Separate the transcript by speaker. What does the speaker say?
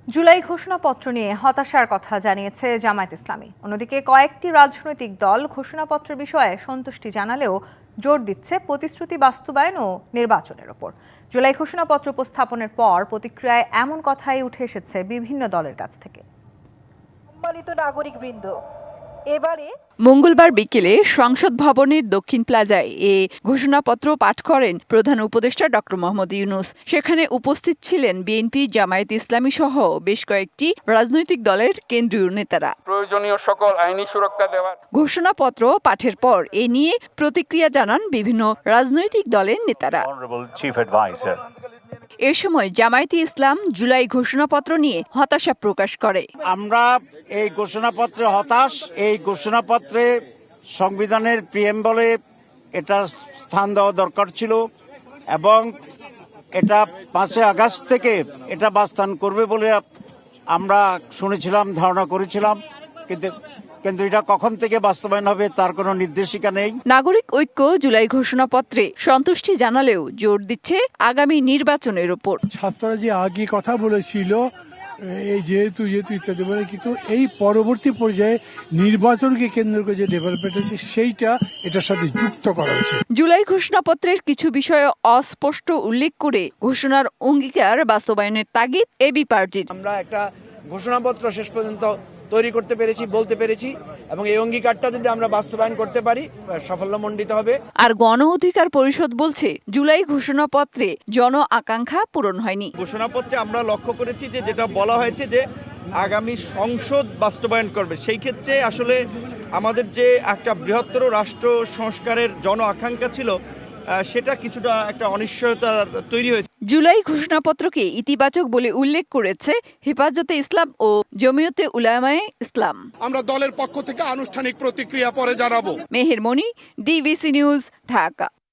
Speaker 1: জুলাই ঘোষণাপত্র নিয়ে হতাশার কথা জানিয়েছে জামায়াত ইসলামী। অন্যদিকে কয়েকটি রাজনৈতিক দল ঘোষণাপত্র বিষয়ে সন্তুষ্টি জানালেও জোর দিচ্ছে প্রতিশ্রুতি বাস্তবায়ন ও নির্বাচনের ওপর। জুলাই ঘোষণাপত্র উপস্থাপনের পর প্রতিক্রিয়ায় এমন কথাই উঠে এসেছে বিভিন্ন দলের কাছ থেকে।
Speaker 2: সম্মানিত নাগরিকবৃন্দ, এবারে
Speaker 3: মঙ্গলবার বিকেলে সংসদ ভবনের দক্ষিণ প্লাজায় এ ঘোষণাপত্র পাঠ করেন প্রধান উপদেষ্টা ডক্টর মোহাম্মদ ইউনূস। সেখানে উপস্থিত ছিলেন বিএনপি, জামায়াত ইসলামী সহ বেশ কয়েকটি রাজনৈতিক দলের কেন্দ্রীয় নেতারা।
Speaker 4: প্রয়োজনীয় সকল আইনি সুরক্ষা দেওয়ার
Speaker 3: ঘোষণাপত্র পাঠের পর এ নিয়ে প্রতিক্রিয়া জানান বিভিন্ন রাজনৈতিক দলের নেতারা। এ সময় জামায়াতে ইসলাম জুলাই ঘোষণাপত্র নিয়ে হতাশা প্রকাশ করে।
Speaker 5: আমরা এই ঘোষণাপত্রে হতাশ। এই ঘোষণাপত্রে সংবিধানের প্রিএম্বলে এটা স্থান দেওয়া দরকার ছিল এবং এটা 5 আগস্ট থেকে এটা বাস্তবায়ন করবে বলে আমরা শুনেছিলাম, ধারণা করেছিলাম, কিন্তু এটা কখন থেকে বাস্তবায়ন হবে তার কোনো নির্দেশিকা নেই।
Speaker 3: নাগরিক ঐক্য জুলাই ঘোষণাপত্রে সন্তুষ্টি জানালেও জোর দিচ্ছে আগামী নির্বাচনের উপর।
Speaker 6: ছাত্ররা যে আগে কথা বলেছিল এই যেহেতু ইত্যাদি বলে, কিন্তু এই পরবর্তী পর্যায়ে নির্বাচনকে কেন্দ্র করে যে ডেভেলপমেন্ট হচ্ছে সেইটা এটার সাথে যুক্ত করা হচ্ছে।
Speaker 3: জুলাই ঘোষণাপত্রের কিছু বিষয়ে অস্পষ্ট উল্লেখ করে ঘোষণার অঙ্গীকার বাস্তবায়নের তাগিদ এবি পার্টির।
Speaker 7: আমরা একটা ঘোষণাপত্র শেষ পর্যন্ত তৈরি করতে পেরেছি, বলতে পেরেছি, এবং এই অঙ্গীকারটা যদি আমরা বাস্তবায়ন করতে পারি সাফল্যমণ্ডিত হবে।
Speaker 3: আর গণ অধিকার পরিষদ বলছে জুলাই ঘোষণাপত্রে জন আকাঙ্ক্ষা পূরণ হয়নি।
Speaker 8: ঘোষণাপত্রে আমরা লক্ষ্য করেছি যে যেটা বলা হয়েছে যে আগামী সংসদ বাস্তবায়ন করবে, সেই ক্ষেত্রে আসলে আমাদের যে একটা বৃহত্তর রাষ্ট্র সংস্কারের জন আকাঙ্ক্ষা ছিল সেটা কিছুটা একটা অনিশ্চয়তা তৈরি হয়েছে।
Speaker 3: জুলাই ঘোষণাপত্রকে ইতিবাচক বলে উল্লেখ করেছে হেফাজতে ইসলাম ও জমিয়তে উলামায়ে ইসলাম।
Speaker 9: আমরা দলের পক্ষ থেকে আনুষ্ঠানিক প্রতিক্রিয়া পরে জানাবো।
Speaker 3: Meher Moni, DBC news, Dhaka.